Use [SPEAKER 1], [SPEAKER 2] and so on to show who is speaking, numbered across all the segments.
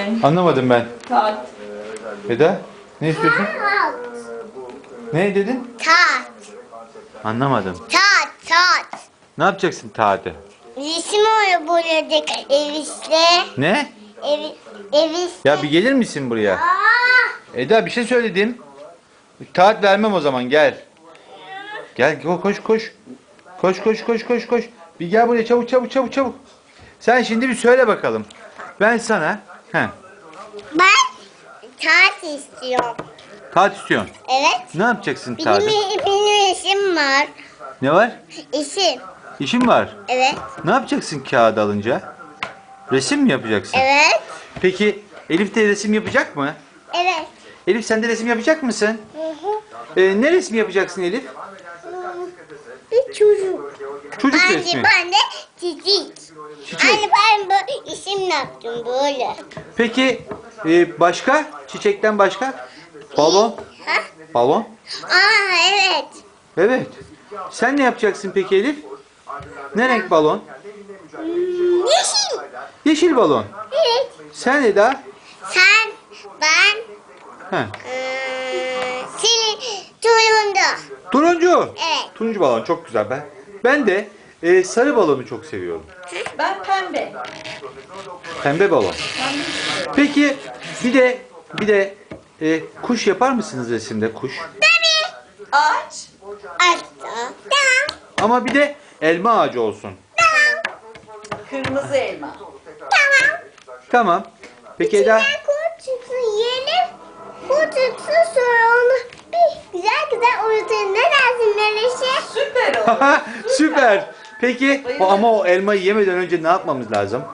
[SPEAKER 1] Anlamadım ben.
[SPEAKER 2] Tat.
[SPEAKER 1] Eda ne istiyorsun? Ne dedin?
[SPEAKER 3] Tat.
[SPEAKER 1] Anlamadım.
[SPEAKER 3] Tat.
[SPEAKER 1] Ne yapacaksın tadı?
[SPEAKER 3] Resim öyle boyadık evisle.
[SPEAKER 1] Ne?
[SPEAKER 3] Evisle.
[SPEAKER 1] Ya bir gelir misin buraya?
[SPEAKER 3] Aa!
[SPEAKER 1] Eda bir şey söyledim. Taat vermem o zaman gel. Gel koş. Koş. Bir gel buraya çabuk. Sen şimdi bir söyle bakalım. Ben sana
[SPEAKER 3] Ben tat istiyorum.
[SPEAKER 1] taat istiyorsun.
[SPEAKER 3] Evet.
[SPEAKER 1] Ne yapacaksın tadı?
[SPEAKER 3] Benim işim var.
[SPEAKER 1] Ne var?
[SPEAKER 3] İşim.
[SPEAKER 1] İşin var.
[SPEAKER 3] Evet.
[SPEAKER 1] Ne yapacaksın kağıt alınca? Resim mi yapacaksın?
[SPEAKER 3] Evet.
[SPEAKER 1] Peki Elif de resim yapacak mı?
[SPEAKER 3] Evet.
[SPEAKER 1] Elif sen de resim yapacak mısın? Ne resmi yapacaksın Elif?
[SPEAKER 3] Bir çocuk.
[SPEAKER 1] Çocuk resmi.
[SPEAKER 3] Ben de çiçek.
[SPEAKER 1] Çiçek.
[SPEAKER 3] Anne ben bu işim yaptım böyle.
[SPEAKER 1] Peki başka? Çiçekten başka? Balon.
[SPEAKER 3] Ha?
[SPEAKER 1] Balon.
[SPEAKER 3] Evet.
[SPEAKER 1] Evet. Sen ne yapacaksın peki Elif? Ne renk balon?
[SPEAKER 3] Yeşil.
[SPEAKER 1] Yeşil balon.
[SPEAKER 3] Evet.
[SPEAKER 1] Sen Eda?
[SPEAKER 3] Sen, ben,
[SPEAKER 1] Heh.
[SPEAKER 3] senin turunda.
[SPEAKER 1] Turuncu.
[SPEAKER 3] Evet.
[SPEAKER 1] Turuncu balon çok güzel. Ben de sarı balonu çok seviyorum.
[SPEAKER 2] Ben pembe.
[SPEAKER 1] Pembe balon. Peki bir de kuş yapar mısınız resimde kuş?
[SPEAKER 2] Ağaç.
[SPEAKER 3] Açtı. Tamam.
[SPEAKER 1] Ama bir de elma ağacı olsun.
[SPEAKER 2] Kırmızı elma.
[SPEAKER 3] Tamam.
[SPEAKER 1] Tamam. Peki Eda?
[SPEAKER 3] İçinden kurt çıksın yiyelim. Kurt çıksın sonra onu bir güzel uyutun. Ne dersin Melişe?
[SPEAKER 2] Süper oldu.
[SPEAKER 1] Süper. Peki ama o elmayı yemeden önce ne yapmamız lazım?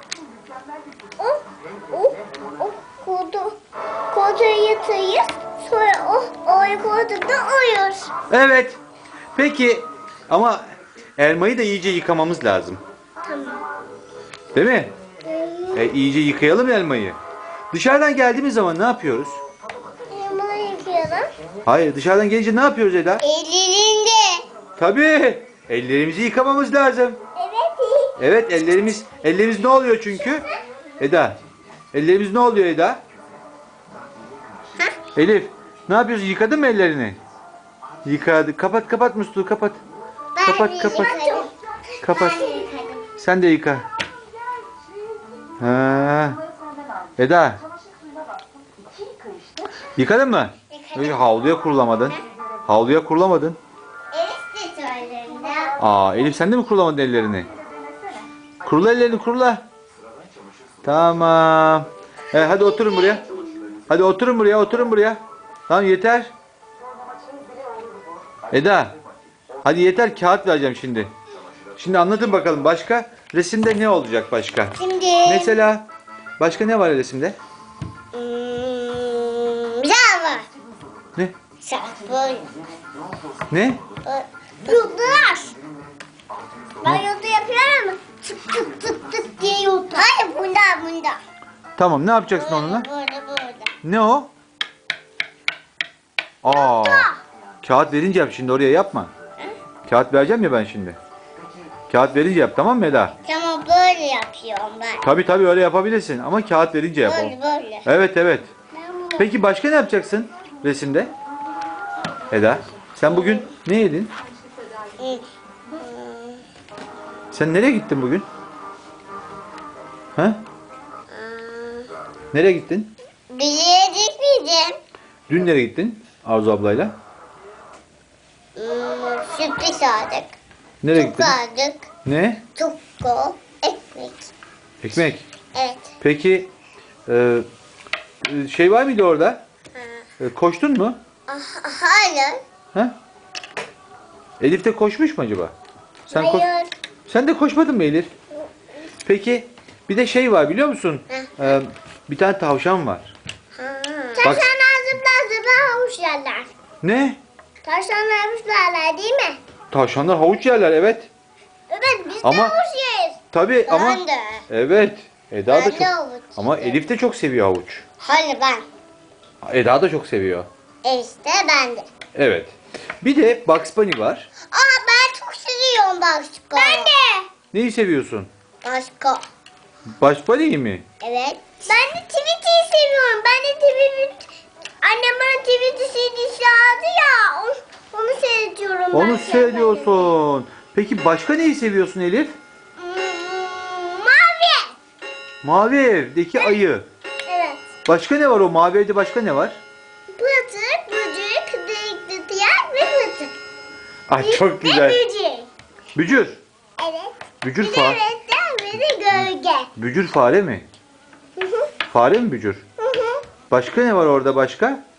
[SPEAKER 3] O kurdu yatırıyız. Sonra o kurdu da uyur.
[SPEAKER 1] Evet. Peki ama elmayı da iyice yıkamamız lazım.
[SPEAKER 3] Tamam.
[SPEAKER 1] Değil mi? İyice yıkayalım elmayı. Dışarıdan geldiğimiz zaman ne yapıyoruz?
[SPEAKER 3] Bunu yıkayalım.
[SPEAKER 1] Hayır, dışarıdan gelince ne yapıyoruz Eda?
[SPEAKER 3] Ellerinde.
[SPEAKER 1] Tabii. Ellerimizi yıkamamız lazım.
[SPEAKER 3] Evet.
[SPEAKER 1] Evet, ellerimiz ne oluyor çünkü? Eda. Ellerimiz ne oluyor Eda? Elif, ne yapıyorsun? Yıkadın mı ellerini? Yıkadı. Kapat musluğu kapat. Kapat. Kapat. Sen de yıka. Ha. Eda. Yıkadın mı? Havluya kurulamadın. Havluya kurulamadın.
[SPEAKER 3] Elif de söylerinde.
[SPEAKER 1] Elif sen de mi kurulamadın ellerini? Kurula ellerini kurula. Tamam. Hadi oturun buraya. Hadi oturun buraya. Tamam yeter. Eda. Hadi yeter kağıt vereceğim şimdi. Şimdi anlatın bakalım başka resimde ne olacak başka?
[SPEAKER 3] Şimdi.
[SPEAKER 1] Mesela başka ne var resimde?
[SPEAKER 3] Güzel var.
[SPEAKER 1] Ne?
[SPEAKER 3] Böyle.
[SPEAKER 1] Ne?
[SPEAKER 3] Yurtlar. Ben yurdu yapıyorum ama tık diye yurdu. Hayır bunda.
[SPEAKER 1] Tamam ne yapacaksın onunla?
[SPEAKER 3] Burada.
[SPEAKER 1] Ne o? Kağıt verince yap şimdi oraya yapma. Kağıt vereceğim ya ben şimdi. Kağıt verince yap tamam mı Eda?
[SPEAKER 3] Tamam böyle yapıyorum ben.
[SPEAKER 1] Tabii öyle yapabilirsin ama kağıt verince yap o.
[SPEAKER 3] Böyle.
[SPEAKER 1] Evet. Peki başka ne yapacaksın resimde? Eda sen bugün ne yedin? Sen nereye gittin bugün? Ha? Nereye gittin?
[SPEAKER 3] Bir yere gitmeyeceğim.
[SPEAKER 1] Dün nereye gittin Arzu ablayla?
[SPEAKER 3] Sürpriz aldık.
[SPEAKER 1] Nereye
[SPEAKER 3] Çok
[SPEAKER 1] gittin?
[SPEAKER 3] aldık.
[SPEAKER 1] Ne?
[SPEAKER 3] Tukko. Ekmek.
[SPEAKER 1] Ekmek.
[SPEAKER 3] Evet.
[SPEAKER 1] Peki şey var mıydı orada? Koştun mu?
[SPEAKER 3] Hayır.
[SPEAKER 1] Ha? Elif de koşmuş mu acaba?
[SPEAKER 3] Hayır.
[SPEAKER 1] Sen de koşmadın mı Elif? Peki bir de şey var biliyor musun? Bir tane tavşan var.
[SPEAKER 3] Taşlarlar zıplar havuç yerler.
[SPEAKER 1] Ne?
[SPEAKER 3] Taşlarlar havuç yerler değil mi?
[SPEAKER 1] Tavşanlar havuç yerler evet.
[SPEAKER 3] Evet biz de
[SPEAKER 1] Ama-
[SPEAKER 3] havuç yeriz.
[SPEAKER 1] Tabii ama
[SPEAKER 3] Ben de.
[SPEAKER 1] evet. Eda da
[SPEAKER 3] Ben
[SPEAKER 1] çok
[SPEAKER 3] de havuç
[SPEAKER 1] ama
[SPEAKER 3] yerim.
[SPEAKER 1] Elif de çok seviyor havuç.
[SPEAKER 3] Hayır ben.
[SPEAKER 1] Eda da çok seviyor.
[SPEAKER 3] İşte ben de.
[SPEAKER 1] Evet. Bir de Bugs Bunny var.
[SPEAKER 3] Ben çok seviyorum başka. Ben de.
[SPEAKER 1] Neyi seviyorsun?
[SPEAKER 3] Başka.
[SPEAKER 1] Bugs Bunny'yi mi?
[SPEAKER 3] Evet. Ben de Tweety'yi
[SPEAKER 1] seviyorsun. Peki başka neyi seviyorsun Elif?
[SPEAKER 3] Mavi.
[SPEAKER 1] Mavi evdeki ayı.
[SPEAKER 3] Evet.
[SPEAKER 1] Başka ne var o mavi evde başka ne var?
[SPEAKER 3] Pıtık, böcek, delikli tiyar ve pıtık.
[SPEAKER 1] Ay çok
[SPEAKER 3] Ve
[SPEAKER 1] güzel.
[SPEAKER 3] böcek.
[SPEAKER 1] Bücür.
[SPEAKER 3] Evet.
[SPEAKER 1] Bücür
[SPEAKER 3] Bir de
[SPEAKER 1] fare.
[SPEAKER 3] renkten bir de gölge.
[SPEAKER 1] Bücür fare mi?
[SPEAKER 3] Hı hı.
[SPEAKER 1] Fare mi bücür?
[SPEAKER 3] Hı hı.
[SPEAKER 1] Başka ne var orada başka?